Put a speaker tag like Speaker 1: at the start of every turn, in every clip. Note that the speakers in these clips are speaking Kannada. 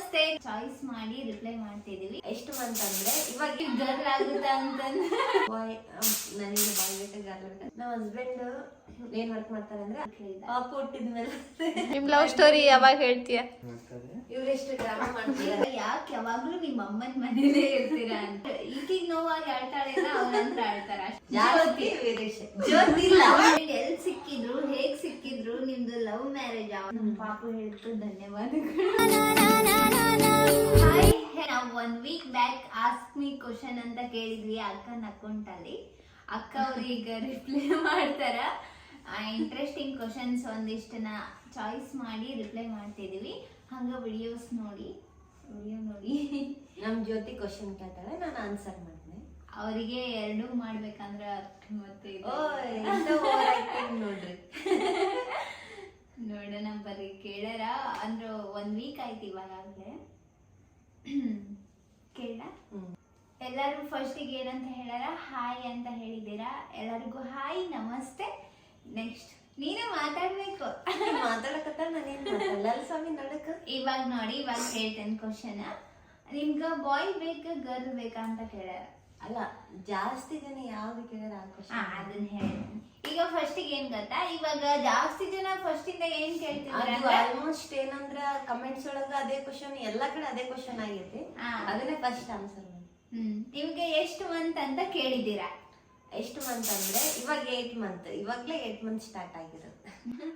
Speaker 1: ನಮಸ್ತೆ ಚಾಯ್ಸ್ ಮಾಡಿ ರಿಪ್ಲೈ ಮಾಡ್ತಿದೀವಿ. ಎಷ್ಟು ಮಂತ್ ಅಂದ್ರೆ ಇವಾಗ ಗರ್ಲ್ ಆಗುತ್ತಾ ಅಂತಂದ್ರೆ ಬಾಯ್ ನನಗೆ ಬಾಯ್ ಬೇಕು ಗರ್ಲ್ ಬೇಕು. ನಮ್ಮ ಹಸ್ಬೆಂಡ್ ಏನ್ ವರ್ಕ್ ಮಾಡ್ತಾರೆ ಅಂದ್ರೆ ಪಾಪ ಹುಟ್ಟಿದ್ಮೇಲೆ
Speaker 2: ನಿಮ್ ಲವ್ ಸ್ಟೋರಿ ಯಾವಾಗ ಹೇಳ್ತೀಯ?
Speaker 1: ಇವ್ರೆಷ್ಟು ಡ್ರಾಮಾ ಮಾಡ್ತೀರಾ, ಯಾಕೆ ಯಾವಾಗ್ಲೂ ನಿಮ್ಮ ಅಮ್ಮನ ಮನೇಲೇ ಇರ್ತೀರಾ ಅಂತ. ಈಗೀಗ ನೋವಾಗಿ ಆಳ್ತಾಳೆ ಅವ್ರಂತ್ರ ಆಳ್ತಾರ. ಎಲ್ ಸಿಕ್ಕಿದ್ರು, ಹೇಗ್ ಸಿಕ್ಕಿದ್ರು, ನಿಮ್ದು ಲವ್ ಮ್ಯಾರೇಜ್? ನಮ್ ಪಾಪು ಹೇಳ್ತು ಧನ್ಯವಾದಗಳು. ಹಾಯ್, ನಾವು 1 week back ask me question ಅಂತ ಕೇಳಿದ್ವಿ ಅಕ್ಕನ ಅಕೌಂಟ್ ಅಲ್ಲಿ. ಅಕ್ಕ ಅವ್ರೀಗ ರಿಪ್ಲೈ ಮಾಡ್ತಾರ. ಇಂಟ್ರೆಸ್ಟಿಂಗ್ ಕ್ವಶನ್ಸ್ ಒಂದಿಷ್ಟನ್ನ ಚಾಯ್ಸ್ ಮಾಡಿ ರಿಪ್ಲೈ ಮಾಡ್ತಿದೀವಿ. ಹಂಗ ವಿಡಿಯೋ ನೋಡಿ
Speaker 3: ನಮ್ ಜ್ಯೋತಿ ಕ್ವಶನ್ ಕೇಳ್ತಾಳೆ, ನಾನು ಆನ್ಸರ್ ಮಾಡ್ತೀನಿ.
Speaker 1: ಅವರಿಗೆ ಎರಡೂ ಮಾಡ್ಬೇಕಂದ್ರ ಮತ್ತೆ
Speaker 3: ನೋಡ್ರಿ
Speaker 1: ನೋಡೋಣ ಬರ್ರಿ ಕೇಳಾರ. ಅಂದ್ರ 1 week ಆಯ್ತು ಇವಾಗಲೇ ಕೇಳ. ಎಲ್ಲಾರು ಫಸ್ಟಿಗೆ ಏನಂತ ಹೇಳಾರ? ಹಾಯ್ ಅಂತ ಹೇಳಿದ್ದೀರಾ. ಎಲ್ಲರಿಗೂ ಹಾಯ್ ನಮಸ್ತೆ. ನೆಕ್ಸ್ಟ್ ನೀನೇ ಮಾತಾಡ್ಬೇಕು.
Speaker 3: ಮಾತಾಡಕತ್ತ ನಾನೇನ್ ಮಾತಾಡಲ್ಲ ಸ್ವಾಮಿ ನಡಕ.
Speaker 1: ಇವಾಗ ನೋಡಿ, ಇವಾಗ ಹೇಳ್ತೇನೆ ಕ್ವಶನ್. ನಿಮ್ಗ ಬಾಯ್ ಬೇಕ ಗರ್ಲ್ ಬೇಕಾ ಅಂತ ಕೇಳ್ಯಾರ.
Speaker 3: ಅಲ್ಲ, ಜಾಸ್ತಿ ಜನ ಯಾವ್ದು ಕೇಳ್ಯಾರ
Speaker 1: ಅದನ್ನ ಹೇಳ್ತೇನೆ. ಈಗ ಫಸ್ಟಿಗೆ ಏನ್ ಗೊತ್ತಾ, ಇವಾಗ ಜಾಸ್ತಿ ಜನ ಫಸ್ಟ್ ಇಂದ ಏನ್ ಕೇಳ್ತಿದ್ದಾರೆ
Speaker 3: ಆಲ್ಮೋಸ್ಟ್ ಏನಂದ್ರ ಕಮೆಂಟ್ಸ್ ಒಳಗ ಅದೇ ಕ್ವಶನ್, ಎಲ್ಲಾ ಕಡೆ ಅದೇ ಕ್ವಶನ್ ಆಗೈತಿ. ಅದನ್ನೇ ಫಸ್ಟ್ ಆನ್ಸರ್ ಮಾಡಿ.
Speaker 1: ನಿಮ್ಗೆ ಎಷ್ಟು ಮಂತ್ ಅಂತ ಕೇಳಿದ್ದೀರಾ?
Speaker 3: ಎಷ್ಟು ಮಂತ್ ಅಂದ್ರೆ ಇವಾಗ 8 ಮಂತ್. ಇವಾಗ್ಲೇ 8 ಮಂತ್ ಸ್ಟಾರ್ಟ್ ಆಗಿರುತ್ತೆ.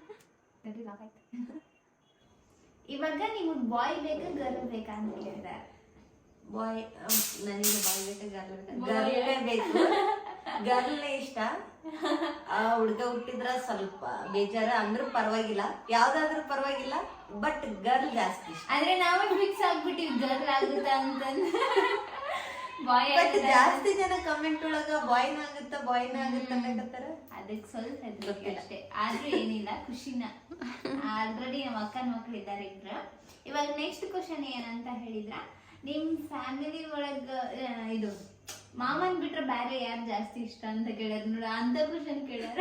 Speaker 1: ಇವಾಗ ನಿಮಗ್ ಬಾಯ್ ಬೇಕಾ ಗರ್ಲ್ ಬೇಕಾ ಅಂತ ಕೇಳಿದಾರೆ.
Speaker 3: ಬಾಯ್, ನನಗೆ ಬಾಯ್ ಬೇಕು ಗರ್ಲ್ ಗರ್ಲೇ ಬೇಕು. ಗರ್ಲ್ನೇ ಇಷ್ಟ. ಹುಡ್ಗ ಹುಟ್ಟಿದ್ರ ಸ್ವಲ್ಪ ಬೇಜಾರ, ಅಂದ್ರೂ ಪರವಾಗಿಲ್ಲ, ಯಾವ್ದಾದ್ರೂ ಪರವಾಗಿಲ್ಲ, ಬಟ್ ಗರ್ಲ್ ಜಾಸ್ತಿ ಇಷ್ಟ.
Speaker 1: ಅಂದ್ರೆ ನಾವೇ ಫಿಕ್ಸ್ ಆಗ್ಬಿಟ್ಟಿವಿ ಗರ್ಲ್ ಆಗುತ್ತಾ ಅಂತಂದ್ರೆ.
Speaker 3: ಬಟ್ ಜಾಸ್ತಿ ಜನ ಕಮೆಂಟ್ ಒಳಗ ಬಾಯ್ನ ಆಗುತ್ತ ಅನ್ನಕತ್ತಾರ.
Speaker 1: ಅದಕ್ಕೆ ಸ್ವಲ್ಪ ಹೆದರಿಕೆ ಅಷ್ಟೇ, ಆದ್ರೂ ಏನಿಲ್ಲ, ಖುಷಿನ. ಆಲ್ರೆಡಿ ನಮ್ಮ ಅಕ್ಕನ ಮಕ್ಳು ಇದ್ದಾರೆ ಇಬ್ರು. ಇವಾಗ ನೆಕ್ಸ್ಟ್ ಕ್ವಶನ್ ಏನಂತ ಹೇಳಿದ್ರ, ನಿಮ್ ಫ್ಯಾಮಿಲಿ ಒಳಗ ಇದು ಮಾಮನ್ ಬಿಟ್ರೆ ಬೇರೆ ಯಾರು ಜಾಸ್ತಿ ಇಷ್ಟ ಅಂತ ಕೇಳ್ಯಾರ. ನೋಡ, ಅಂತ ಕ್ವಶನ್ ಕೇಳ್ಯಾರ.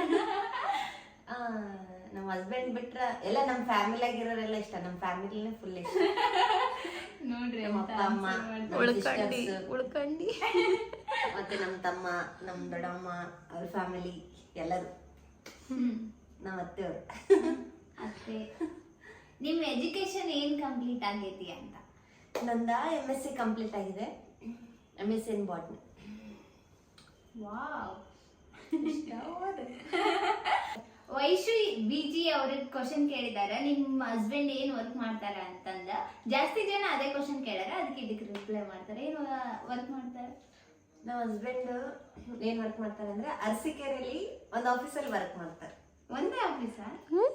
Speaker 3: ನಮ್ ಹಸ್ಬೆಂಡ್ ಬಿಟ್ರ ಎಲ್ಲ ನಮ್ ಫ್ಯಾಮಿಲಿ ಆಗಿರೋರೆಲ್ಲ ಇಷ್ಟ. ನಮ್ ಫ್ಯಾಮಿಲಿನೇ ಫುಲ್ ಇಷ್ಟ.
Speaker 1: ನೋಡ್ರಿ,
Speaker 3: ನಮ್ಮ ಅಪ್ಪ ಅಮ್ಮ,
Speaker 2: ಉಳ್ಕಂಡಿ
Speaker 3: ಮತ್ತೆ ನಮ್ ತಮ್ಮ, ನಮ್ ದೊಡ್ಡಮ್ಮ, ಅವ್ರ ಫ್ಯಾಮಿಲಿ ಎಲ್ಲರೂ. ನಮ್ಮ ಅತ್ತೆಯವ್ರು.
Speaker 1: ಅತ್ತೆ, ನಿಮ್ ಎಜುಕೇಶನ್ ಏನ್ ಕಂಪ್ಲೀಟ್ ಆಗೈತಿ ಅಂತ?
Speaker 3: ನಂದ MSc ಕಂಪ್ಲೀಟ್ ಆಗಿದೆ. MSc in botany.
Speaker 1: Wow, Vaishu busy ಅವ್ರಿಗೆ ಕ್ವಶನ್ ಕೇಳಿದಾರೆ, ನಿಮ್ ಹಸ್ಬೆಂಡ್ ಏನ್ ವರ್ಕ್ ಮಾಡ್ತಾರ ಅಂತಂದ. ಜಾಸ್ತಿ ಜನ ಅದೇ ಕ್ವಶನ್ ಕೇಳಾರ, ಅದಕ್ಕೆ ಇದಕ್ಕೆ ರಿಪ್ಲೈ ಮಾಡ್ತಾರೆ. ಏನ್ ವರ್ಕ್ ಮಾಡ್ತಾರೆ?
Speaker 3: ನಮ್ಮ ಹಸ್ಬೆಂಡ್ ಏನ್ ವರ್ಕ್ ಮಾಡ್ತಾರೆ ಅಂದ್ರೆ ಅರಸೀಕೆರೆಯಲ್ಲಿ ಒಂದು ಆಫೀಸಲ್ಲಿ ವರ್ಕ್ ಮಾಡ್ತಾರೆ.
Speaker 1: ಒಂದೇ ಆಫೀಸಾ?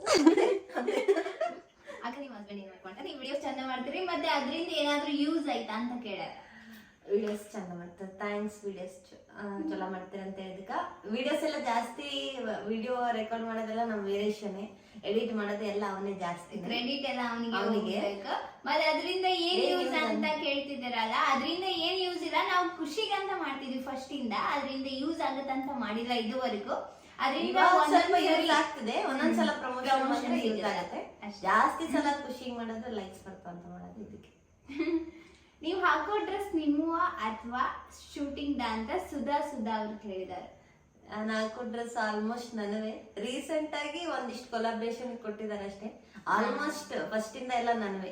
Speaker 1: ಆಗ ನಿಮ್ ಹಸ್ಬೆಂಡ್ ಏನ್ ವರ್ಕ್ ಮಾಡ್ತಾರೆ? ನೀವು ವಿಡಿಯೋಸ್ ಚಂದ ಮಾಡ್ತೀರಿ, ಮತ್ತೆ ಅದರಿಂದ ಏನಾದ್ರೂ ಯೂಸ್ ಆಯ್ತಾ ಅಂತ ಕೇಳ್ಯಾರ.
Speaker 3: ವಿಡಿಯೋಸ್ ಚಂದ ಮಾಡ್ತಾರೆ, ಥ್ಯಾಂಕ್ಸ್. ವಿಡಿಯೋಸ್ ಚಲೋ ಮಾಡ್ತಾರೆ ಅಂತ ಹೇಳಿದಕ್ಕ. ವಿಡಿಯೋಸ್ ಎಲ್ಲ ಜಾಸ್ತಿ, ವಿಡಿಯೋ ರೆಕಾರ್ಡ್ ಮಾಡೋದೆಲ್ಲ ನಮ್ ವೀರೇಶನೇ, ಎಡಿಟ್ ಮಾಡೋದು ಎಲ್ಲ ಅವನೇ ಜಾಸ್ತಿ.
Speaker 1: ಕ್ರೆಡಿಟ್ ಎಲ್ಲ ಅವನಿಗೆ. ಮತ್ತೆ ಅದರಿಂದ ಏನ್ ಯೂಸ್ ಅಂತ ಕೇಳ್ತಿದ್ದಾರಲ್ಲ, ಅದರಿಂದ ಏನ್ ಯೂಸ್ ಇಲ್ಲ. ನಾವು ಖುಷಿಗಂತ ಮಾಡ್ತಿದ್ವಿ ಫಸ್ಟ್ ಇಂದ, ಅದರಿಂದ ಯೂಸ್ ಆಗತ್ತಂತ ಮಾಡಿಲ್ಲ ಇದುವರೆಗೂ. ಅದರಿಂದ
Speaker 3: ಸ್ವಲ್ಪ ಯೂಸ್ ಆಗ್ತದೆ, ಒಂದೊಂದ್ಸಲ ಪ್ರಮೋಷನ್ ಯೂಸ್ ಆಗುತ್ತೆ. ಜಾಸ್ತಿ ಸಲ ಖುಷಿ ಮಾಡೋದು, ಲೈಕ್ಸ್ ಬರ್ತಾವ ಅಂತ ಮಾಡೋದು ಇದಕ್ಕೆ.
Speaker 1: ನೀವು ಹಾಕೋ ಡ್ರೆಸ್ ನಿಮ್ಮುವ ಅಥವಾ ಶೂಟಿಂಗ್ ಅಂತ ಸುಧಾ ಅವ್ರು ಕೇಳಿದ್ದಾರೆ.
Speaker 3: ನಾನು ಹಾಕೋ ಡ್ರೆಸ್ ಆಲ್ಮೋಸ್ಟ್ ನನವೇ. ರೀಸೆಂಟ್ ಆಗಿ ಒಂದಿಷ್ಟು ಕೊಲಾಬ್ರೇಷನ್ ಕೊಟ್ಟಿದ್ದಾರೆ ಅಷ್ಟೇ. ಆಲ್ಮೋಸ್ಟ್ ಫಸ್ಟ್ ಇಂದ ಎಲ್ಲ ನನವೇ.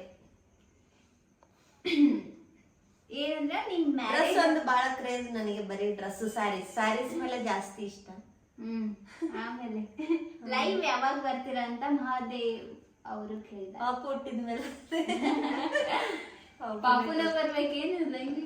Speaker 1: ಏನಂದ್ರೆ ನಿಮ್
Speaker 3: ಡ್ರೆಸ್ ಒಂದು ಬಹಳ ಕ್ರೇಜ್ ನನಗೆ. ಬರೀ ಡ್ರೆಸ್, ಸ್ಯಾರೀಸ್ ಮೇಲೆ ಜಾಸ್ತಿ ಇಷ್ಟ.
Speaker 1: ಆಮೇಲೆ ಲೈವ್ ಯಾವಾಗ ಬರ್ತೀರಾ ಅಂತ ಮಹಾದೇವ್ ಅವರು ಕೇಳಿದ್ದಾರೆ.
Speaker 3: ಪಾಪ ಹುಟ್ಟಿದ್ಮೇಲೆ.
Speaker 1: ಪಾಪುನ ಬರ್ಬೇಕೇನು ಲೈವ್.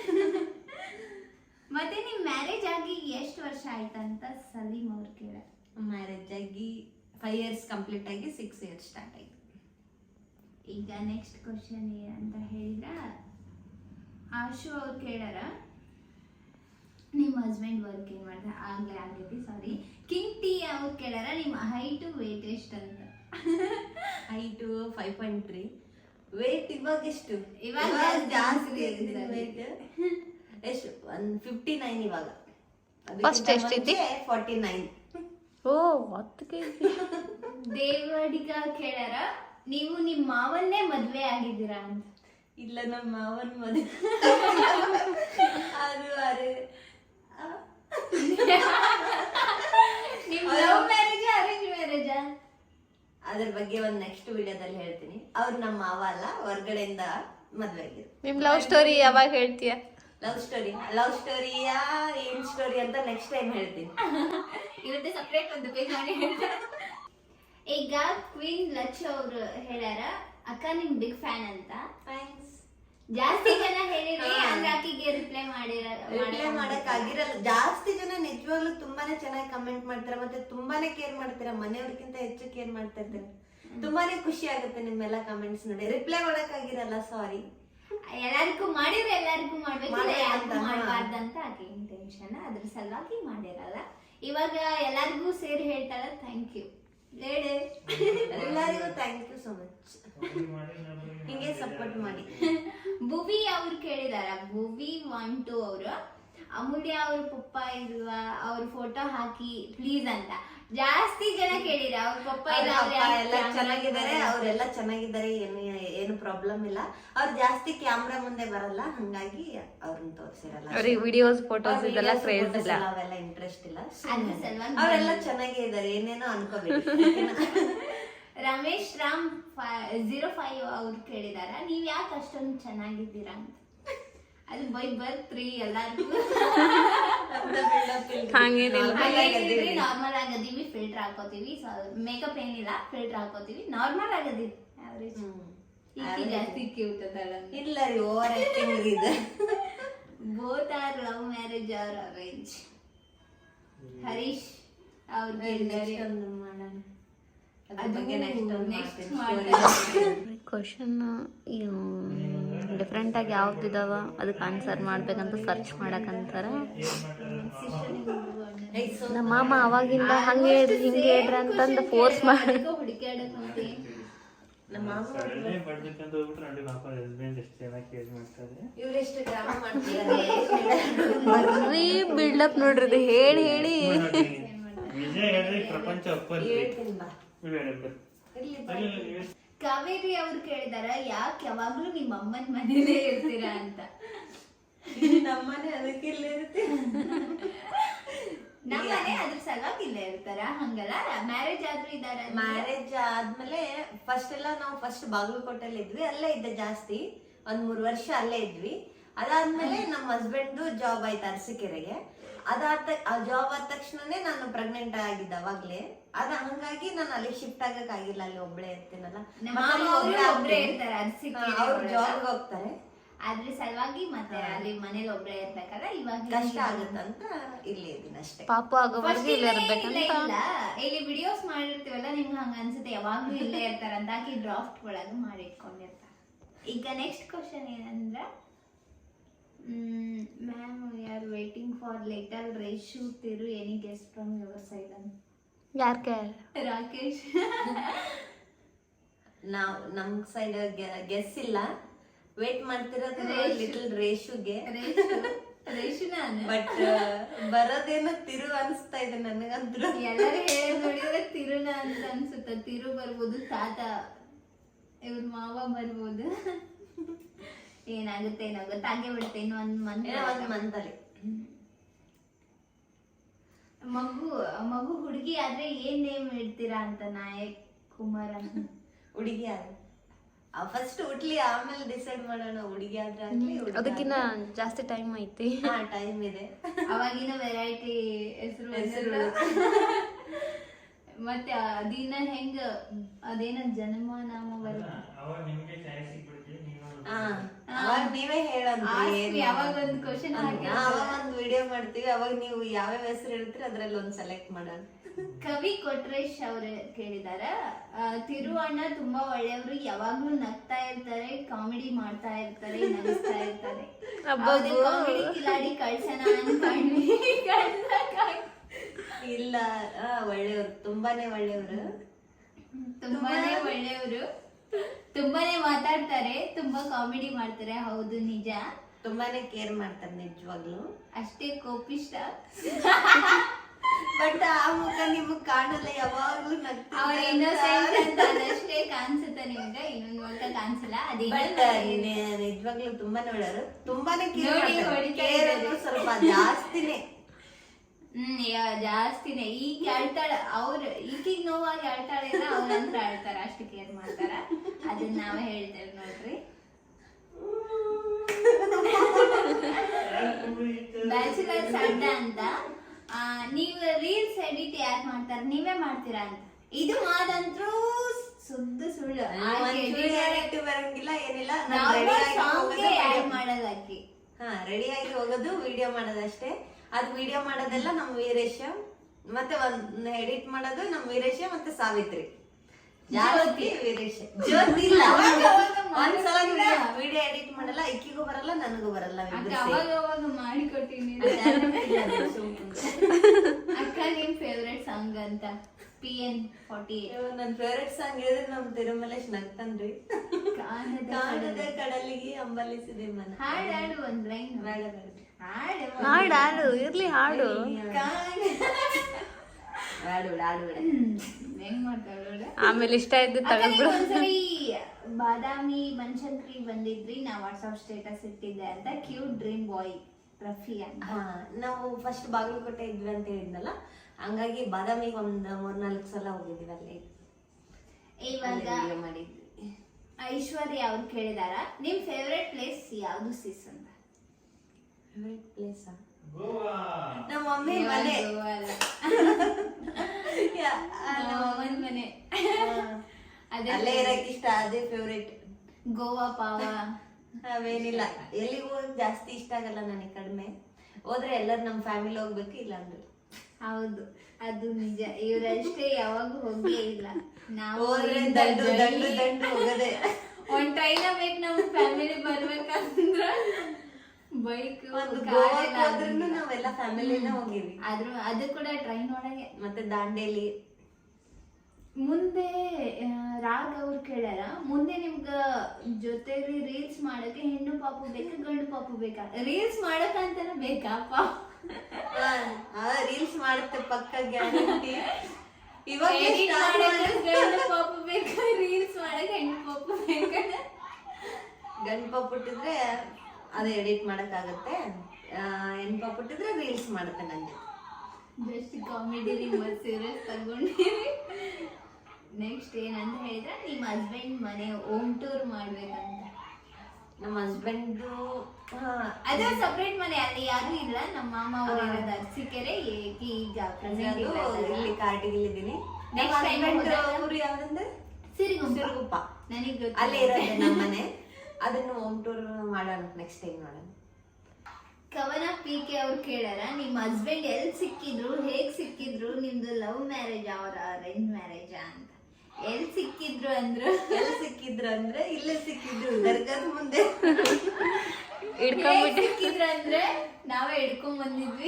Speaker 1: ಮತ್ತೆ ನಿಮ್ ಮ್ಯಾರೇಜ್ ಆಗಿ ಎಷ್ಟು ವರ್ಷ ಆಯ್ತಂತ ಸಲೀಂ ಅವ್ರು ಕೇಳ.
Speaker 3: ಮ್ಯಾರೇಜ್ ಆಗಿ 5 years ಕಂಪ್ಲೀಟ್ ಆಗಿ 6 years ಸ್ಟಾರ್ಟ್ ಆಯ್ತು.
Speaker 1: ಈಗ ನೆಕ್ಸ್ಟ್ ಕ್ವಶನ್ ಏನಂತ ಹೇಳಿದ್ರ, ಆಶು ಅವ್ರು ಕೇಳಾರ, ನಿಮ್ ಹಸ್ಬೆಂಡ್ ವರ್ಕ್ ಏನ್ ಮಾಡ್ತಾರೆ? ಆಗ್ಲೇ ಆಗೈತಿ, ಸಾರಿ. ಕಿಂಗ್ ಟಿ ಅವ್ರು ಕೇಳಾರ, ನಿಮ್ ಹೈಟ್ ವೇಟ್ ಎಷ್ಟು ಅಂತ.
Speaker 3: ಹೈಟ್ 5.3. ವೇಟ್ ಇವಾಗ ಎಷ್ಟು?
Speaker 1: ಇವಾಗ
Speaker 3: ಜಾಸ್ತಿ ವೇಟ್ ಎಷ್ಟು? 159 ಇವಾಗ.
Speaker 2: ಫಸ್ಟ್ ಎಷ್ಟಿತ್ತು?
Speaker 3: 49.
Speaker 2: ಓ 10 kg.
Speaker 1: ದೇವಡಿಗ ಕೇಳಾರ, ನೀವು ನಿಮ್ ಮಾವನ್ನೇ ಮದ್ವೆ ಆಗಿದ್ದೀರಾ ಅಂತ.
Speaker 3: ಇಲ್ಲ ನಮ್ಮ ಮಾವನ ಮದುವೆ ಅದು ಅರೆ
Speaker 1: ನಿಮ್ ಲವ್ ಮ್ಯಾರೇಜ್ ಅರೇಂಜ್ ಮ್ಯಾರೇಜಾ?
Speaker 3: ಅದ್ರ ಬಗ್ಗೆ ಒಂದ್ ನೆಕ್ಸ್ಟ್ ವಿಡಿಯೋದಲ್ಲಿ ಹೇಳ್ತೀನಿ. ಅವ್ರು ನಮ್ಮ ಮಾವ ಅಲ್ಲ, ಹೊರ್ಗಡೆಯಿಂದ ಮದ್ವೆ ಆಗಿದ್ರು.
Speaker 2: ನಿಮ್ ಲವ್ ಸ್ಟೋರಿ ಯಾವಾಗ ಹೇಳ್ತೀಯ?
Speaker 3: ಲವ್ ಸ್ಟೋರಿಯಾ ಏನ್ ಸ್ಟೋರಿ ಅಂತ ನೆಕ್ಸ್ಟ್ ಟೈಮ್ ಹೇಳ್ತೀನಿ.
Speaker 1: ಇವತ್ತು ಸಪ್ರೇಟ್ ಒಂದು ಪೇಜ್ ಮಾಡಿ ಹೇಳ್ತಾರೆ. ಈಗ ಕ್ವೀನ್ ಲಚ್ಚು ಅವರು ಹೇಳ್ಯಾರ, ಅಕ್ಕ ನಿಮ್ ಬಿಗ್ ಫ್ಯಾನ್ ಅಂತ.
Speaker 3: ಥ್ಯಾಂಕ್ಸ್.
Speaker 1: ಜಾಸ್ತಿ ಜನ ಹೇಳಿರಿ ಅಂದ್ರೆ ಆಕಿಗೆ ರಿಪ್ಲೈ
Speaker 3: ಮಾಡಕ್ ಆಗಿರಲ್ಲ. ಜಾಸ್ತಿ ಜನ ನಿಜವಾಗ್ಲೂ ತುಂಬಾನೇ ಚೆನ್ನಾಗಿ ಕಮೆಂಟ್ ಮಾಡ್ತಾರೆ, ಮತ್ತೆ ತುಂಬಾನೇ ಕೇರ್ ಮಾಡ್ತೀರಾ, ಮನೆಯವ್ರಿಗಿಂತ ಹೆಚ್ಚು ಕೇರ್ ಮಾಡ್ತಾ ಇರ್ತೀರ. ತುಂಬಾನೇ ಖುಷಿ ಆಗುತ್ತೆ ನಿಮ್ಮೆಲ್ಲ ಕಮೆಂಟ್ಸ್ ನೋಡಿ. ರಿಪ್ಲೈ ಮಾಡಕ್ ಆಗಿರಲ್ಲ, ಸಾರಿ.
Speaker 1: ಎಲ್ಲರಿಗೂ ಮಾಡಿದ್ರೆ ಎಲ್ಲರಿಗೂ ಮಾಡ್ಬೇಕು, ಯಾರಿಗೂ ಮಾಡ್ಬಾರ್ದಂತ ಆಕೆ ಇಂಟೆನ್ಷನ್, ಅದ್ರ ಸಲುವಾಗಿ ಮಾಡಿರಲ್ಲ. ಇವಾಗ ಎಲ್ಲರಿಗೂ ಸೇರಿ ಹೇಳ್ತಾರ ಥ್ಯಾಂಕ್ ಯು.
Speaker 3: ಎಲ್ಲರಿಗೂ ಥ್ಯಾಂಕ್ ಯು ಸೋ ಮಚ್. ಹಿಂಗೆ ಸಪೋರ್ಟ್ ಮಾಡಿ.
Speaker 1: ಭುವಿ ಅವ್ರು ಕೇಳಿದಾರ, ಭುವಿ 1-2 ಅವರು, ಅಮೂಲ್ಯ ಅವ್ರ ಪಪ್ಪ ಇಲ್ವಾ, ಅವ್ರ ಫೋಟೋ ಹಾಕಿ ಪ್ಲೀಸ್ ಅಂತ ಜಾಸ್ತಿ ಜನ ಕೇಳಿರ. ಅವ್ರ ಪಪ್ಪ
Speaker 3: ಎಲ್ಲ ಚೆನ್ನಾಗಿದ್ದಾರೆ, ಅವರೆಲ್ಲ ಚೆನ್ನಾಗಿದ್ದಾರೆ, ಏನು ಪ್ರಾಬ್ಲಮ್ ಇಲ್ಲ. ಅವ್ರು ಜಾಸ್ತಿ ಕ್ಯಾಮ್ರಾ ಮುಂದೆ ಬರಲ್ಲ, ಹಂಗಾಗಿ ಅವ್ರನ್ನ ತೋರಿಸಿರಲ್ಲ.
Speaker 2: ಅವ್ರಿಗೆ ವಿಡಿಯೋಸ್ ಫೋಟೋಸ್ ಇದೆಲ್ಲ ಕ್ರೇಜ್ ಇಲ್ಲ,
Speaker 3: ಅವೆಲ್ಲ ಇಂಟ್ರೆಸ್ಟ್ ಇಲ್ಲ.
Speaker 1: ಅದ್ರ ಸಲುವಾಗಿ
Speaker 3: ಅವರೆಲ್ಲ ಚೆನ್ನಾಗೇ ಇದ್ದಾರೆ, ಏನೇನೋ ಅನ್ಕೋಬೇಕು.
Speaker 1: ರಮೇಶ್ ರಾಮ್ 05 ಅವ್ರು ಕೇಳಿದಾರ, ನೀವ್ ಯಾಕೆ ಅಷ್ಟೊಂದು ಚೆನ್ನಾಗಿದ್ದೀರಾ ಅಂತ. ಅದು ಬೈ ಬರ್ತ್ರಿ ಎಲ್ಲಾರ್ಗು. ನಾರ್ಮಲ್ ಆಗದೀವಿ, ಫಿಲ್ಟರ್ ಹಾಕೋತೀವಿ, ಮೇಕಪ್ ಏನಿಲ್ಲ, ಫಿಲ್ಟರ್ ಹಾಕೋತೀವಿ, ನಾರ್ಮಲ್ ಆಗದೀವಿ, ಆವ್ರೇಜ್. ಈಕಿ ಜಾಸ್ತಿ ಕ್ಯೂಟ್ ಅದಳ.
Speaker 3: ಇಲ್ಲ ರೀ, ಓವರ್ ಆಕ್ಟಿಂಗ್ ಇದೆ.
Speaker 1: Both are love marriage or arrange. Harish ಅವ್ರು ಕೇಳಿದಾರೆ,
Speaker 3: ಮಾಡೋಣ
Speaker 2: ಕ್ವಶನ್ ಡಿಫ್ರೆಂಟ್ ಆಗಿ ಯಾವ್ದಿದಾವ ಅದಕ್ಕೆ ಆನ್ಸರ್ ಮಾಡ್ಬೇಕಂತ ಸರ್ಚ್ ಮಾಡಕಂತಾರ. ನಮ್ಮ ಮಾಮ ಅವಾಗಿಂದ ಹಂಗೆ ಹೇಳ್ರಿ ಹಿಂಗೆ ಹೇಳ್ರಿ ಅಂತಂದು ಫೋರ್ಸ್ ಮಾಡಿ ಬರ್ರಿ ಬಿಲ್ಡಪ್ ನೋಡ್ರಿ ಹೇಳಿ ಹೇಳಿ.
Speaker 1: ಕಾವೇರಿ ಅವ್ರು ಕೇಳಿದಾರ, ಯಾಕೆ ಯಾವಾಗ್ಲೂ ನಿಮ್ಮ ಅಮ್ಮನ ಮನೇಲೇ ಇರ್ತೀರಾ ಅಂತ.
Speaker 3: ನಮ್ಮನೆ ಅದಕ್ಕೆ ಇಲ್ಲೇ ಇರ್ತೀವಿ.
Speaker 1: ನಮ್ಮನೆ ಅದ್ರ ಸಲುವಾಗಿ ಇಲ್ಲೇ ಇರ್ತಾರ, ಹಂಗಲ್ಲ. ಮ್ಯಾರೇಜ್ ಆದ್ರೂ ಇದಾರ.
Speaker 3: ಮ್ಯಾರೇಜ್ ಆದ್ಮೇಲೆ ನಾವು ಫಸ್ಟ್ ಬಾಗಲಕೋಟೆಲ್ಲಿ ಇದ್ವಿ, ಅಲ್ಲೇ ಇದ್ದೆ ಜಾಸ್ತಿ, 1-3 ವರ್ಷ ಅಲ್ಲೇ ಇದ್ವಿ. ಅದಾದ್ಮೇಲೆ ನಮ್ಮ ಹಸ್ಬೆಂಡ್ ಜಾಬ್ ಆಯ್ತು ಅರಸೀಕೆರೆಗೆ. ಆ ಜಾಬ್ ಆದ ತಕ್ಷಣನೇ ನಾನು ಪ್ರೆಗ್ನೆಂಟ್ ಆಗಿದ್ದೆ ಅವಾಗ್ಲೇ. ಹಂಗಾಗಿ ನಾನು ಅಲ್ಲಿ ಶಿಫ್ಟ್ ಆಗಕ್ ಆಗಿಲ್ಲ, ಅಲ್ಲಿ ಒಬ್ಳೆ ಇರ್ತೀನಲ್ಲ. ಅವ್ರು ಜಾಬ್ ಹೋಗ್ತಾರೆ,
Speaker 1: ಅದ್ರ ಸಲುವಾಗಿ ಮತ್ತೆ ಅಲ್ಲಿ ಮನೇಲಿ ಒಬ್ಳೆ ಇರ್ಬೇಕಲ್ಲ, ಇವಾಗ
Speaker 3: ಕಷ್ಟ ಆಗುತ್ತಂತ ಇಲ್ಲೇ ಇದ್ದೀನಿ ಅಷ್ಟೇ.
Speaker 2: ಪಾಪ ಆಗೋವರೆಗೂ ಇಲ್ಲೇ ಇರ್ಬೇಕಂತ.
Speaker 1: ಇಲ್ಲಿ ವಿಡಿಯೋಸ್ ಮಾಡಿರ್ತೀವಲ್ಲ, ನಿಮ್ಗೆ ಹಂಗ ಅನ್ಸುತ್ತೆ ಯಾವಾಗ್ಲೂ ಇಲ್ಲೇ ಇರ್ತಾರಂತ, ಆಕಿ ಡ್ರಾಫ್ಟ್ ಒಳಗೆ ಮಾಡಿಟ್ಕೊಂಡಿರ್ತಾರ. ಈಗ ನೆಕ್ಸ್ಟ್ ಕ್ವಶನ್ ಏನಂದ್ರೆ, ma'am we are waiting for little Reshu ತಿರು, any guest from your side ಅಂತ.
Speaker 2: ಯಾರ್ಕೆ?
Speaker 1: ರಾಕೇಶ್.
Speaker 3: ನಮ್ ಸೈಡ್ ಗೆಸ್ ಇಲ್ಲ, ವೇಟ್ ಮಾಡ್ತಿರೋದು ಲಿಟಲ್ ರೇಷುಗೆ.
Speaker 1: ರೇಷು ನಾನು,
Speaker 3: ಬಟ್ ಬರೋದೇನೋ ತಿರು ಅನ್ಸ್ತಾ ಇದೆ ನನಗಂತೂ.
Speaker 1: ಎಲ್ಲರೂ ಹೇಳಿ ನೋಡಿದ್ರೆ ತಿರುನ ಅಂತ ಅನ್ಸುತ್ತ. ತಿರು ಬರ್ಬೋದು, ತಾತ ಇವ್ರ ಮಾವ ಬರ್ಬೋದು. ಏನಾಗುತ್ತೆ ಏನೋ ಗೊತ್ತಾಗೇ ಬಿಡುತ್ತೆ. ಇನ್ನು ಒಂದ್ ಮಂತ್
Speaker 3: ಅಲ್ಲಿ
Speaker 1: ಮಗು ಹುಡುಗಿ ಆದ್ರೆ ಏನ್ ನೇಮ್ ಇಡ್ತೀರಾ ಅಂತ. ನಾಯಕ್ ಕುಮಾರ್ ಅಂತ.
Speaker 3: ಹುಡುಗಿ ಫಸ್ಟ್ ಹುಟ್ಲಿ, ಆಮೇಲೆ ಡಿಸೈಡ್ ಮಾಡೋಣ. ಹುಡುಗಿ ಆದ್ರೆ ಆಗ್ಲಿ,
Speaker 2: ಅದಕ್ಕಿನ್ನ ಜಾಸ್ತಿ ಟೈಮ್ ಐತಿ.
Speaker 3: ಟೈಮ್ ಇದೆ.
Speaker 1: ಅವಾಗಿನ ವೆರೈಟಿ ಹೆಸರು. ಮತ್ತೆ ಅದಿನ ಹೆಂಗ ಅದೇನ ಜನ್ಮ ನಾಮ ಬರುತ್ತೆ.
Speaker 3: ಅವಾಗ ನೀವೇ ಹೇಳೋದು.
Speaker 1: ಯಾವಾಗ ಒಂದು ಕ್ವಶನ್
Speaker 3: ಅವಾಗ ಒಂದು ವಿಡಿಯೋ ಮಾಡ್ತೀವಿ, ಅವಾಗ ನೀವು ಯಾವ್ಯಾವ ಹೆಸರು ಹೇಳ್ತೀರಿ ಅದ್ರಲ್ಲಿ ಒಂದ್ ಸೆಲೆಕ್ಟ್ ಮಾಡೋಣ.
Speaker 1: ಕವಿ ಕೊಟ್ರೇಶ್ ಅವ್ರು ಕೇಳಿದಾರ, ತಿರು ಅಣ್ಣ ತುಂಬಾ ಒಳ್ಳೆಯವರು, ಯಾವಾಗ್ಲೂ ನಗ್ತಾ ಇರ್ತಾರೆ, ಕಾಮಿಡಿ ಮಾಡ್ತಾ ಇರ್ತಾರೆ, ನಗಿಸ್ತಾ ಇರ್ತಾರೆ. ಕಾಮಿಡಿ ಕಿಲಾಡಿ ಕಳ್ಸನ ಅನ್ಕೊಂಡ್ವಿ.
Speaker 3: ಇಲ್ಲ, ಒಳ್ಳೆಯವರು, ತುಂಬಾನೇ ಒಳ್ಳೆಯವರು,
Speaker 1: ತುಂಬಾನೇ ಮಾತಾಡ್ತಾರೆ, ತುಂಬಾ ಕಾಮಿಡಿ ಮಾಡ್ತಾರೆ. ಹೌದು, ನಿಜ.
Speaker 3: ತುಂಬಾನೇ ಕೇರ್ ಮಾಡ್ತಾರೆ ನಿಜವಾಗ್ಲು.
Speaker 1: ಅಷ್ಟೇ ಕೋಪಿಷ್ಟ.
Speaker 3: ಬಟ್ ಆ ಮುಖ ನಿಮಗ್ ಕಾಣಲ್ಲ, ಯಾವಾಗ್ಲೂ
Speaker 1: ಅವ್ರ ಇನ್ನೋಸೆಂಟ್ ಅಂತ ಅದಷ್ಟೇ ಕಾಣಿಸುತ್ತೆ ನಿಮ್ಗೆ, ಇನ್ನೊಂದು ಮುಖ ಕಾಣಿಸಲ್ಲ.
Speaker 3: ಬಟ್ ನಿಜವಾಗ್ಲೂ ತುಂಬಾನೇ ಒಳ್ಳೆಯವರು, ತುಂಬಾನೇ
Speaker 1: ನೋಡಿ, ಹೊಡಿತಾ ಇದ್ದಾರೆ.
Speaker 3: ಸ್ವಲ್ಪ ಜಾಸ್ತಿನೇ.
Speaker 1: ಜಾಸ್ತಿನೇ. ಈಗ ಅಳ್ತಾಳ ಅವ್ರು, ಈಗೀಗ ನೋವಾಗಿ ಅಳ್ತಾಳೆ, ಅವ್ರಂತ್ರ ಅಳ್ತಾರ, ಅಷ್ಟು ಕೇರ್ ಮಾಡ್ತಾರ. ಅದನ್ನ ನಾವೇ ಹೇಳ್ತೇವೆ ನೋಡ್ರಿ. ಬ್ಯಾಚುಲರ್ಸ್ ಅಡ್ಡ ಅಂತ ನೀವು ರೀಲ್ಸ್ ಎಡಿಟ್ ಯಾರು ಮಾಡ್ತಾರ, ನೀವೇ ಮಾಡ್ತೀರಾ ಅಂತ. ಇದು ಮಾದಂತ್ರು ಸುದ್ದು ಸುಳ್ಳು.
Speaker 3: ಬರಂಗಿಲ್ಲ ಏನಿಲ್ಲ,
Speaker 1: ಮಾಡಲ್ಲ ಆಕಿ.
Speaker 3: ರೆಡಿ ಆಗಿ ಹೋಗೋದು, ವಿಡಿಯೋ ಮಾಡೋದಷ್ಟೇ. ಅದ್ ವಿಡಿಯೋ ಮಾಡೋದೆಲ್ಲ ನಮ್ ವೀರೇಶ, ಮತ್ತೆ ಒಂದ್ ಎಡಿಟ್ ಮಾಡೋದು ನಮ್ ವೀರೇಶ ಮತ್ತೆ ಸಾವಿತ್ರಿ. ಜಾಸ್ತಿ ವೀರೇಶ, ಜ್ಯೋತಿ ಇಲ್ಲ. ಒಂದ್ಸಲ ವಿಡಿಯೋ ಎಡಿಟ್ ಮಾಡಲ್ಲ, ಇಕ್ಕಿಗೂ ಬರಲ್ಲ, ನನಗೂ ಬರಲ್ಲ.
Speaker 1: ಅವಾಗ ಮಾಡಿ ಕೊಟ್ಟಿನಿ. ಅಕ್ಕ ನಿಮ್ ಫೇವ್ರೆಟ್ ಸಾಂಗ್ ಅಂತ PN48.
Speaker 3: ನನ್ ಫೇವ್ರೆಟ್ ಸಾಂಗ್ ಹೇಳಿದ್ರೆ ನಮ್ ತಿರುಮಲೇಶ್ ನಗ್ತಾನ್ರಿ. ಕಾಣದ ಕಡಲಿಗೆ ಅಂಬಲಿಸಿದೆ ಮನ.
Speaker 1: ಹಾಡು ಒಂದ್ ಲೈನ್.
Speaker 3: ಬೇಡ ಬೇಡ,
Speaker 2: ಹಾಡು ಇರ್ಲಿ, ಹಾಡು
Speaker 1: ಹೆಂಗ್ ಮಾಡ್ತಾಳೆ.
Speaker 2: ಆಮೇಲೆ ಇಷ್ಟ ಆಯ್ತು ತಗೊಂಡ್ಬಿಡು.
Speaker 1: ಒಂದ್ಸರಿ ಬಾದಾಮಿ ಬನಶಂಕರಿ ಬಂದಿದ್ರಿ, ನಾ ವಾಟ್ಸ್ಆಪ್ ಸ್ಟೇಟಸ್ ಇಟ್ಟಿದ್ದೆ ಅಂತ. ಕ್ಯೂಟ್ ಡ್ರೀಮ್ ಬಾಯ್ ರಫಿ ಅಂತ.
Speaker 3: ನಾವು ಫಸ್ಟ್ ಬಾಗಲಕೋಟೆ ಇದ್ವಿ ಅಂತ ಹೇಳಿದ್ನಲ್ಲ, ಹಂಗಾಗಿ ಬಾದಾಮಿಗೆ ಒಂದ್ 3-4 ಸಲ ಹೋಗಿದ್ವಿ. ಅಲ್ಲೇ
Speaker 1: ಇವಾಗ
Speaker 3: ಮಾಡಿದ್ವಿ.
Speaker 1: ಐಶ್ವರ್ಯ ಅವ್ರು ಕೇಳಿದಾರ, ನಿಮ್ ಫೇವ್ರೆಟ್ ಪ್ಲೇಸ್ ಯಾವ್ದು ಸಿಸ್ ಅಂತ.
Speaker 3: ಫೇವ್ರೆಟ್ ಪ್ಲೇಸ್ ನಮ್ಮ ಮಮ್ಮಿ ಮನೆ.
Speaker 1: ಮನೆ
Speaker 3: ಅಲ್ಲೇ ಇರಕ್ ಇಷ್ಟ, ಅದೇ ಫೇವ್ರೇಟ್.
Speaker 1: ಗೋವಾ ಪಾವ
Speaker 3: ಅವೇನಿಲ್ಲ, ಎಲ್ಲಿಗೆ ಹೋಗಕ್ ಜಾಸ್ತಿ ಇಷ್ಟ ಆಗಲ್ಲ ನನಗೆ. ಕಡಿಮೆ ಹೋದ್ರೆ ಎಲ್ಲರೂ ನಮ್ ಫ್ಯಾಮಿಲಿ ಹೋಗ್ಬೇಕು, ಇಲ್ಲ ಅಂದ್ರೆ.
Speaker 1: ಹೌದು, ಅದು ನಿಜ. ಇವ್ರಷ್ಟೇ ಯಾವಾಗೂ ಹೋಗೇ ಇಲ್ಲ. ನಾವು
Speaker 3: ದಂಡು ದಂಡು ದಂಡು ಹೋಗದೆ.
Speaker 1: ಒಂದ್ ಟ್ರೈನ್ ಬೇಕು ನಮ್ ಫ್ಯಾಮಿಲಿ ಬರ್ಬೇಕಂದ್ರ, ಬೈಕ್
Speaker 3: ನಾವೆಲ್ಲ ಫ್ಯಾಮಿಲಿನ ಹೋಗಿವಿ.
Speaker 1: ಅದು ಕೂಡ ಟ್ರೈನ್ ಒಳಗೆ.
Speaker 3: ಮತ್ತೆ ದಾಂಡೇಲಿ.
Speaker 1: ಮುಂದೆ ರಾಗ್ ಅವ್ರು ಕೇಳ್ಯಾರ, ಮುಂದೆ ನಿಮ್ಗ ಜೊತೆಲಿ ರೀಲ್ಸ್ ಮಾಡಕ್ಕೆ ಹೆಣ್ಣು ಪಾಪು ಬೇಕಾ ಗಂಡು ಪಾಪು ಬೇಕಾ? ರೀಲ್ಸ್ ಮಾಡಕ್ಕಂತಾನೆ ಬೇಕಾ ಪಾಪ?
Speaker 3: ರೀಲ್ಸ್ ಮಾಡುತ್ತೆ ಪಕ್ಕ ಗ್ಯಾರಂಟಿ. ಇವಾಗ
Speaker 1: ಗಂಡು ಪಾಪು ಬೇಕಾ, ರೀಲ್ಸ್ ಮಾಡಕ್ ಹೆಣ್ಣು ಪಾಪು ಬೇಕಾ?
Speaker 3: ಗಂಡು ಪಾಪು ಹುಟ್ಟಿದ್ರೆ ಅದೇ ಎಡಿಟ್ ಮಾಡಕ್ ಆಗತ್ತೆ, ಹೆಣ್ಣು ಪಾಪು ಹುಟ್ಟಿದ್ರೆ ರೀಲ್ಸ್ ಮಾಡುತ್ತೆ. ನಂಗೆ
Speaker 1: ಜಸ್ಟ್ ಕಾಮಿಡಿ, ನಿಮ್ಮ ಸೀರಿಯಸ್ ತಗೊಂಡಿರಿ. ನೆಕ್ಸ್ಟ್ ಏನಂತ ಹೇಳಿದ್ರೆ, ನಿಮ್ಮ ಹಸ್ಬೆಂಡ್ ಮನೆ ಹೋಮ್ ಟೂರ್ ಮಾಡ್ಬೇಕಂತ.
Speaker 3: ನಮ್ಮ ಹಸ್ಬೆಂಡ್
Speaker 1: ಅದೇ ಸಪರೇಟ್ ಮನೆ, ಅಲ್ಲಿ ಯಾರು ಇಲ್ಲ. ನಮ್ಮ ಮಾಮ ಅವರು ಇರೋದು ಅರಸೀಕೆರೆ, ಈಗ
Speaker 3: ಇಲ್ಲಿ ಕಾರ್ಟಿಗಿಲ್ಲಿದ್ದೀನಿ.
Speaker 1: ನೆಕ್ಸ್ಟ್ ಟೈಮ್
Speaker 3: ಊರು ಯಾವ್ದಂದ್ರೆ
Speaker 1: ಸಿರಿಗುಪ್ಪ. ನನಗೆ
Speaker 3: ಅಲ್ಲೇ ಇರೋದು ನಮ್ಮ ಮನೆ. ಅದನ್ನು ಹೋಮ್ ಟೂರ್ ಮಾಡೋಣ, ನೆಕ್ಸ್ಟ್ ಟೈಮ್ ಮಾಡೋಣ.
Speaker 1: ಕವನ PK ಅವ್ರು ಕೇಳಾರ, ನಿಮ್ಮ ಹಸ್ಬೆಂಡ್ ಎಲ್ಲಿ ಸಿಕ್ಕಿದ್ರು, ಹೇಗ್ ಸಿಕ್ಕಿದ್ರು, ನಿಮ್ದು ಲವ್ ಮ್ಯಾರೇಜ್ ಅವರ ಅರೇಂಜ್ ಮ್ಯಾರೇಜ್ ಅಂತ. ಎಲ್ಲಿ ಸಿಕ್ಕಿದ್ರು ಅಂದ್ರೆ
Speaker 3: ಇಲ್ಲೇ ಸಿಕ್ಕಿದ್ರು, ದರ್ಗಾದ ಮುಂದೆ.
Speaker 1: ಸಿಕ್ಕಿದ್ರು ಅಂದ್ರೆ ನಾವೇ ಹಿಡ್ಕೊಂಡ್ ಬಂದಿದ್ವಿ.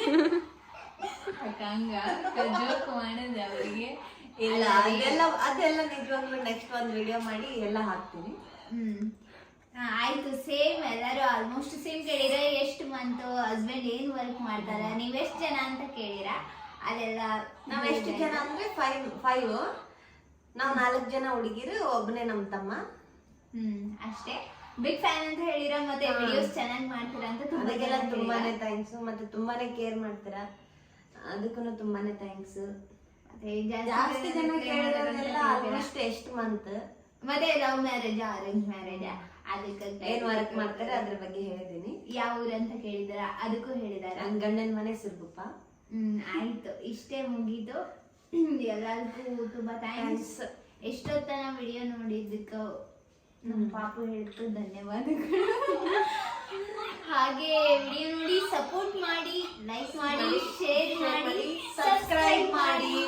Speaker 1: ಹಂಗ ಜೋಕ್ ಮಾಡೋದು ಅವ್ರಿಗೆ.
Speaker 3: ಇಲ್ಲ, ಅದೆಲ್ಲ ನಿಜವಾಗ್ಲೂ ನೆಕ್ಸ್ಟ್ ಒಂದ್ ವಿಡಿಯೋ ಮಾಡಿ ಎಲ್ಲ ಹಾಕ್ತೀನಿ.
Speaker 1: ಆಯ್ತು. ಸೇಮ್ ಎಲ್ಲರೂ ಆಲ್ಮೋಸ್ಟ್ ಸೇಮ್ ಕೇಳಿರ. ಎಷ್ಟು ಮಂತ್ ಹಸ್ಬೆಂಡ್ ಏನ್ ವರ್ಕ್ ಮಾಡ್ತಾರ, ನೀವೆಷ್ಟ್ ಜನ ಅಂತ ಕೇಳಿರ. ಅದೆಲ್ಲ
Speaker 3: ನಾವ್ ಎಷ್ಟು ಜನ ಅಂದ್ರೆ 5. ನಾವ್ 4 ಜನ ಹುಡುಗಿರು, ಒಬ್ಬನೇ ನಮ್ ತಮ್ಮ.
Speaker 1: ಅಷ್ಟೇ. ಬಿಗ್ ಫ್ಯಾನ್ ಅಂತ ಹೇಳಿರ, ಮತ್ತೆ ವಿಡಿಯೋಸ್ ಚೆನ್ನಾಗಿ ಮಾಡ್ತೀರಾ ಅಂತ
Speaker 3: ಅದಕ್ಕೆಲ್ಲ ತುಂಬಾನೇ ಥ್ಯಾಂಕ್ಸ್. ಮತ್ತೆ ತುಂಬಾನೇ ಕೇರ್ ಮಾಡ್ತೀರಾ, ಅದಕ್ಕೂ ತುಂಬಾನೇ ಥ್ಯಾಂಕ್ಸ್. ಜಾಸ್ತಿ ಜನ ಕೇಳಿದ್ರೆಲ್ಲ ಆಲ್ಮೋಸ್ಟ್ ಎಷ್ಟು ಮಂತ್.
Speaker 1: ಮತ್ತೆ ಲವ್ ಮ್ಯಾರೇಜ್ ಅರೇಂಜ್ ಮ್ಯಾರೇಜ್, ಅದಕ್ಕೆ
Speaker 3: ಏನ್ ವರ್ಕ್ ಮಾಡ್ತಾರೆ ಅದ್ರ ಬಗ್ಗೆ ಹೇಳಿದೀನಿ.
Speaker 1: ಯಾವ ಊರ್ ಅಂತ ಕೇಳಿದಾರ, ಅದಕ್ಕೂ ಹೇಳಿದಾರ.
Speaker 3: ನನ್ ಗಂಡನ ಮನೆ ಸಿರ್ಗುಪ್ಪ.
Speaker 1: ಆಯ್ತು, ಇಷ್ಟೇ ಮುಗೀತು. ಎಲ್ಲರಿಗೂ ತುಂಬಾ ಥ್ಯಾಂಕ್ಸ್. ಎಷ್ಟೊತ್ತನ ವಿಡಿಯೋ ನೋಡಿದ್ದಕ್ಕ ನಮ್ಮ ಪಾಪು ಹೇಳ್ತು ಧನ್ಯವಾದಗಳು. ಹಾಗೆ ವಿಡಿಯೋ ನೋಡಿ ಸಪೋರ್ಟ್ ಮಾಡಿ, ಲೈಕ್ ಮಾಡಿ, ಶೇರ್ ಮಾಡಿ, ಸಬ್ಸ್ಕ್ರೈಬ್ ಮಾಡಿ.